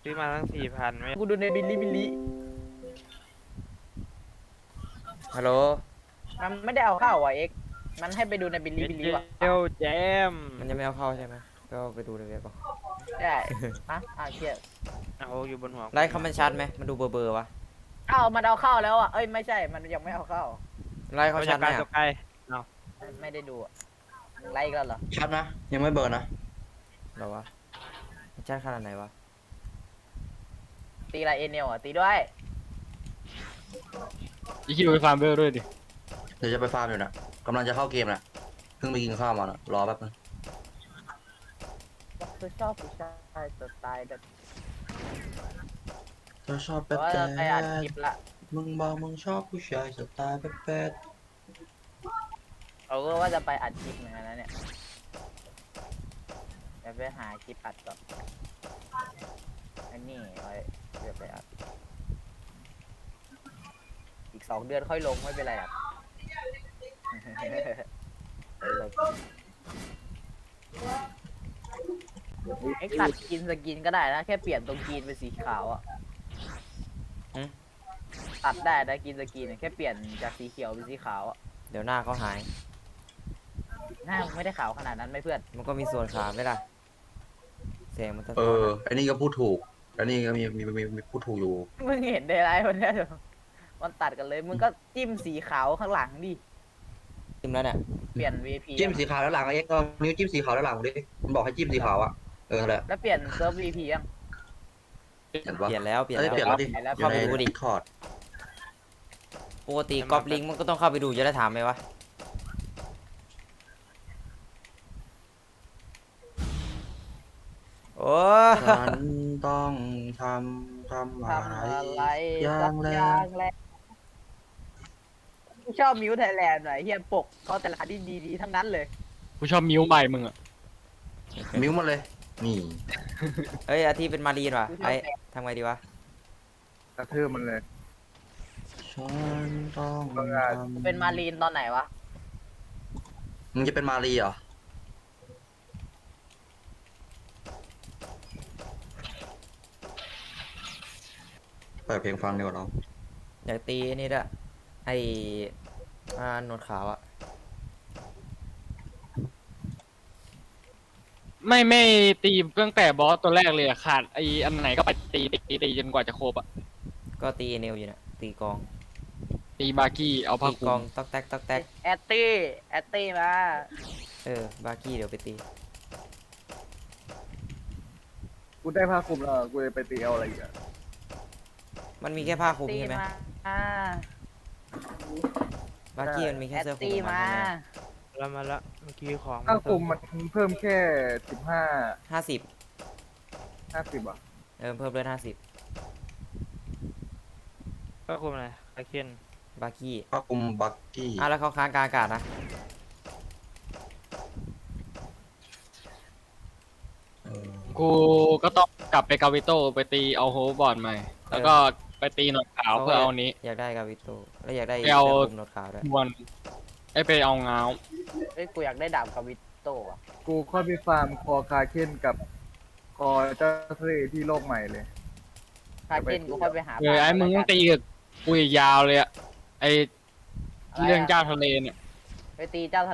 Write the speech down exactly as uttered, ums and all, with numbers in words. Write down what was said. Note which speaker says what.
Speaker 1: ซื้อมาตั้งสี่พันไม่
Speaker 2: กูดูในบิลลี่บิลลี่
Speaker 3: ฮัลโหล
Speaker 2: มันไม่ได้เอาเข้าว่ะเอ็กมันให้ไปดูในบิลลี่บิลลี่ว่ะ
Speaker 1: เจลแจม
Speaker 3: มันยังไม่เอาเข้าใช่ไหมก็ไปดูในเว็บก่อน
Speaker 2: ได้ฮะอ่าเชีย
Speaker 1: เอาอยู่บนหัว
Speaker 3: ไล่เขามันชัดไหมมันดูเบอร์เบอร์วะ
Speaker 2: เอ้ามันเอาเข้าแล้วอ่ะเอ้ยไม่ใช่มันยังไม่เอาเข้า
Speaker 3: ไล่เขา
Speaker 1: เขา
Speaker 3: ชั
Speaker 1: จะ
Speaker 3: ดไหม
Speaker 1: การ
Speaker 3: อะ
Speaker 1: ตัวไกล
Speaker 2: ไม่ไม่ได้ดูอ่ะมึงไล่อีกันเหรอ
Speaker 4: ชัดนะยังไม่เบิร์นนะ
Speaker 3: เหรอวะมันชัดขนาดไหนวะ
Speaker 2: ตีอะไรเอเนลอ่ะตีด้วย
Speaker 5: อีคิวไปฟาร์มเบลด้วยดิ
Speaker 4: เดี๋ยวจะไปฟาร์มอยู่นะกำลังจะเข้าเกมนะเพิ่งไปกินข้าวมานะรอแป๊บนึง
Speaker 2: คือชอบผู้ชายสไตล์แบบ
Speaker 4: เธอชอบ
Speaker 2: เพ
Speaker 4: แป๊บ
Speaker 2: ราะว่า
Speaker 4: แป๊
Speaker 2: ไปอ่านคลิ
Speaker 4: บ
Speaker 2: ปละ
Speaker 4: มึงบอกมึงชอบผู้ชายสไตล์แป๊บแป๊บ
Speaker 2: เขาก็ว่าจะไปอัดคลิปเหมือนกันนะเนี่ยเดี๋ยวไปหาคลิปอัดก่อนอันนี้ไว้เดี๋ยวไปอัดอีกสองเดือนค่อยลงไม่เป็นไรอ่ะ เอ็กซ์ตัดกินสกินก็ได้นะ แค่เปลี่ยนตรงกินเป็นสีขาวอ่ะตัดได้นะกินสกินแค่เปลี่ยนจากสีเขียวเป็นสีขาวอ่ะ
Speaker 3: เดี๋ยวหน้าเขาหาย
Speaker 2: หน้ามึงไม่ได้ขาวขนาดนั้นไหมเพื่อน
Speaker 3: มันก็มีส่วนขาไหมล่ะแสงมันสะ
Speaker 4: เอ
Speaker 3: ท้อน
Speaker 4: อ
Speaker 3: อะ
Speaker 4: ไอ้นี่ก็พูดถูกไอ้นี่ก็มีมีมีมีพูดถูกอยู่
Speaker 2: มึงเห็นได้ไรวันเนี้ยมันตัดกันเลย มึงก็จิ้มสีขาวข้างหลังดิ
Speaker 3: จิ้มแล้วเนี่ย
Speaker 2: เปลี่ยน วี พี
Speaker 4: จิ้มสีขาวแล้วหลังไอ้เอ็กซ์ก็นิ้วจิ้มสีขาวแล้วหลังดิมันบอกให้จิ้มสีขาวอ่ะเออแหละ
Speaker 2: แล้วเปลี่ยนเซิร์ฟ วี พี ยัง
Speaker 4: เห็นปะ
Speaker 3: เปลี่ยนแล้วเปลี่ยน
Speaker 4: เอ้ย
Speaker 3: แล้ว
Speaker 4: เปลี่ยนแล้วดิ
Speaker 2: เปลี่ยนแล้ว
Speaker 4: อยู่ใน
Speaker 3: เข้าไปดูดิ
Speaker 4: คอร์ด
Speaker 3: ปกติกอบลิงก์มันก็ต้องเข้าไปดูจะได้ถามไหมวะโอ้
Speaker 4: ฉันต้องทำทำอะ
Speaker 2: ทำอะไร
Speaker 4: ไรอย่า
Speaker 2: สั
Speaker 4: ง
Speaker 2: ก
Speaker 4: แร
Speaker 2: อย่าก งแรกชอบมิวไทยแลนด์หน่อยเฮียปกเขาแต่ละอันที่ดีๆทั้งนั้นเลย
Speaker 5: กูชอบมิวใหม่มึงอ่ะ
Speaker 4: มิ้วมาเลย นี่
Speaker 3: เอ้ยอาทิตย์เป็นมารีนว่ะ
Speaker 2: กูชอบ
Speaker 3: ไอ้
Speaker 2: แบบ
Speaker 3: ทำไงดีวะ
Speaker 6: กระทืบมันเลย
Speaker 4: ฉันต้อง
Speaker 6: ต้องการ
Speaker 4: ทำ
Speaker 2: เป็นมารีนตอนไหนวะ
Speaker 4: มึงจะเป็นมารีเหรอ เปิดเพลงฟังดีกว่าน้อง
Speaker 3: อยากตีนี่ด้วยไอ้อ่าหนวดขาวอะ
Speaker 5: ไม่ไม่ตีตั้งแต่บอสตัวแรกเลยอะขาดไออันไหนก็ไปตีตีตีจนกว่าจะครบอ่ะ
Speaker 3: ก็ตีเอเนลอยู่เนี่ยตีกอง
Speaker 5: ตีบาร์กี้เอาผ้า
Speaker 3: ตี
Speaker 5: คลุ
Speaker 3: กอง
Speaker 5: ม
Speaker 3: ตอกแตกตอกแตก
Speaker 2: แอตตี้แอตตี้มา
Speaker 3: เออบาร์กี้เดี๋ยวไปตี
Speaker 6: กูได้ผ้าคลุมแล้วกูจะไปตีเอาอะไรอีกอะ
Speaker 3: มันมีแค่ผ้าคลุม
Speaker 2: ตี
Speaker 3: ใช่ไหม
Speaker 2: มา
Speaker 3: บาร์กี้มันมี
Speaker 2: แอ
Speaker 3: แค่
Speaker 2: ต
Speaker 3: เสื้อคลุม
Speaker 2: ตี้
Speaker 3: ของมัน
Speaker 2: มา
Speaker 3: ใช่ไหม
Speaker 1: แล้วมาละเมื่อกี้ของ
Speaker 6: ผ้าคลุมมันเพิ่มแค่สิบห้า
Speaker 3: ห้าสิบ
Speaker 6: ห้าสิบอ่ะ
Speaker 3: เออเพิ่มเลือดห้าสิบ
Speaker 1: ก็คุมอะไรคาเคน
Speaker 3: บาร์กี้
Speaker 4: ผ้าคลุมบักกี้
Speaker 3: อ่ะแล้วเขาค้างกลางอากาศนะ
Speaker 4: เออ
Speaker 5: กูก็ต้องกลับไปกาวิโตไปตีเอาโฮบอร์ดใหม่ แล้วก็ไปตีหนวดขาวเพื่อเอานี้
Speaker 3: อยากได้กาวิโตแล้วอยากได้
Speaker 5: ไป
Speaker 3: เสื้อ
Speaker 5: เอา
Speaker 3: คลุมหนวดขาวด้วย
Speaker 5: บอลไอยไปเอาเงา
Speaker 2: เฮ้ยกูอยากได้ดาบกาวิโต้อะ
Speaker 6: กูค่อยไปฟาร์มคอคาเคนกับคอเจ้าทะเลที่โลกใหม่เลย
Speaker 2: คาเคนกูค่อยไปหา
Speaker 5: เออไอ้มึงต้องตีกับกูอีกยาวเลยอะไอเรื่องเจ้าทะเลเนี่ย
Speaker 2: ไปตีเจ้าทะ